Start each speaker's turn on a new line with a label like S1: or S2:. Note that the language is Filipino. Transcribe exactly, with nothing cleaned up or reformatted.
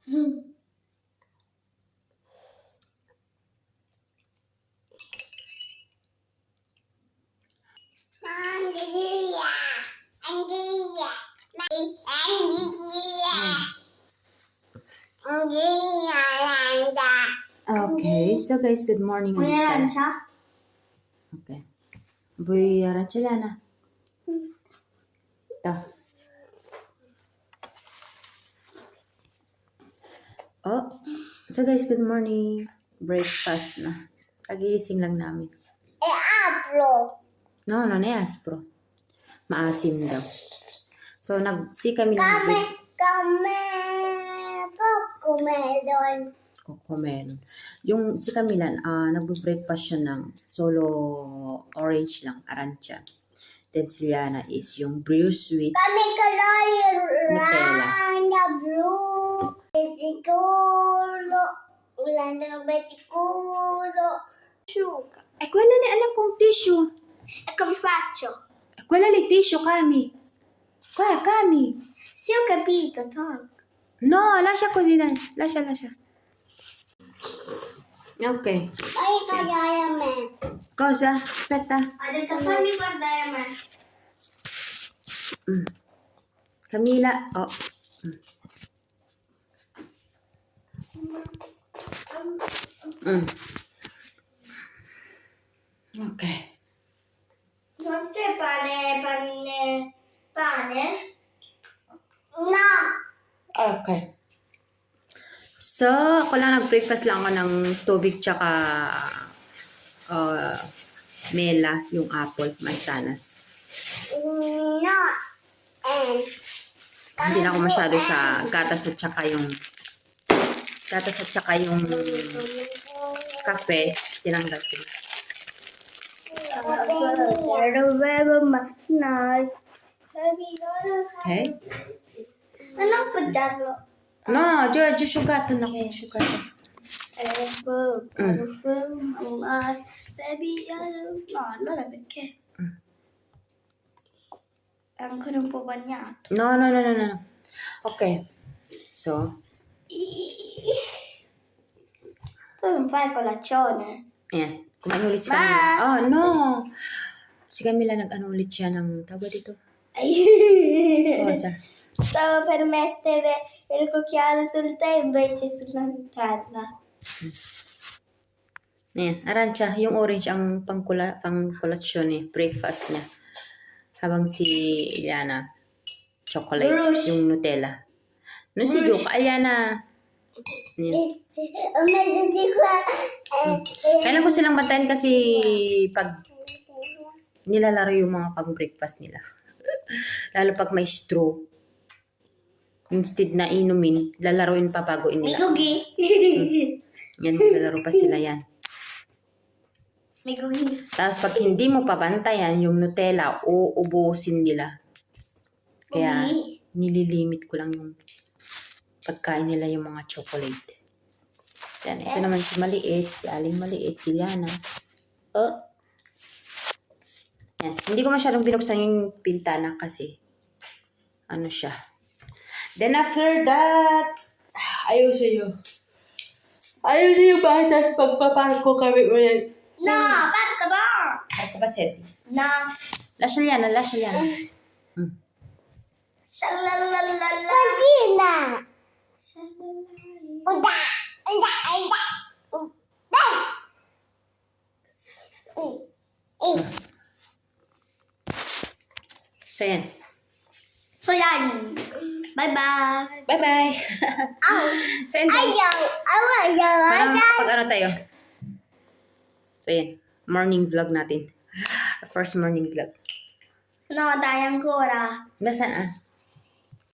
S1: Anglia. Anglia. Anglia. Anglia. Landa.
S2: Okay, so guys, good morning.
S1: May
S2: ulit tayo.
S1: aransya?
S2: Okay. Boy, aransya na. Ito. Oh, so guys, good morning. Breakfast na. Kagigising lang namin.
S1: E apro.
S2: No, no, ne aspro. Maasim daw. So, nag, si kami
S1: Kami,
S2: nag
S1: kami, kukumelon.
S2: Cocomelon. Yung si Camila, uh, nagbe-breakfast siya ng solo orange lang, aransya. Then si Liana is yung brew sweet.
S1: Kami kaloy
S2: Nutella.
S1: rana blue. Betikulo. Wala na betikulo. Sugar.
S2: Eh, quella ni anak kong tissue.
S1: E come faccio?
S2: Eh, quella li tissue, Cami. Qua, Cami.
S1: Sì, ho capito, tolgo.
S2: No, lascia così, dai. Lascia, lascia. Ok.
S1: Fai guardare a me.
S2: Cosa? Aspetta.
S1: Ha detto fammi guardare a me.
S2: Mm. Camila. Oh. Mm. Mm. Ok.
S1: Non c'è pane, pane, pane? No.
S2: Okay. So, ako lang nag-breakfast lang ako ng tubig tsaka uh, mela, yung apple, mansanas.
S1: No. And.
S2: Hindi na ako masyado sa gatas at tsaka yung gatas at tsaka yung kape. Tinanggal ko. Okay?
S1: Ano po darlo?
S2: No, già, già asciugato, no. Asciugato.
S1: Mm. Baby, no, allora perché?
S2: Mm.
S1: È ancora un po' bagnato.
S2: No, no, no, no, no. Okay. So,
S1: Tu non fai colazione?
S2: ayan. Kumain ulit si
S1: Ma!
S2: Camila. Oh, no. Si Camila nag-ano ulit siya ng tawag dito. Cosa?
S1: Stavo per mettere il cucchiaio sul tè invece sulla Nutella.
S2: Ayan, aransya. Yung orange ang pangkula, pangkulasyon eh. Breakfast niya. Habang si Iliana, chocolate.
S1: Bruce.
S2: Yung Nutella. No, si Joke, Aliana. Ayan.
S1: Meron qua.
S2: Kailan ko silang bantayan kasi pag nilalaro yung mga pang-breakfast nila. Lalo pag may straw. Instead na inumin, lalaroin pa bago
S1: May
S2: inila.
S1: cookie.
S2: Yan, lalaro pa sila yan.
S1: May cookie.
S2: Tapos pag hindi mo pabantayan yung Nutella, uubusin nila. Kaya nililimit ko lang yung pagkain nila yung mga chocolate. Yan, ito naman si Maliit, si Aling Maliit, si Liana. Oh. Yan, hindi ko masyadong binuksan yung pintana kasi ano siya. Then after that, ayos sa'yo. Ayos sa'yo ba? Tapos pagpaparko kami ulit.
S1: No, basta ba?
S2: Parko ba, Seth?
S1: No.
S2: Lascia Liana, lascia Liana. Hmm.
S1: Shalalala. Pagina. Uda. Uda. Uda. Uda.
S2: So yan.
S1: So yan. Bye-bye.
S2: Bye-bye.
S1: Ow.
S2: So yan guys.
S1: Ayaw. Ayaw.
S2: Parang
S1: Ayaw.
S2: kapag ano tayo. So yan. Morning vlog natin. First morning vlog.
S1: No, dai ancora.
S2: Nasaan ah?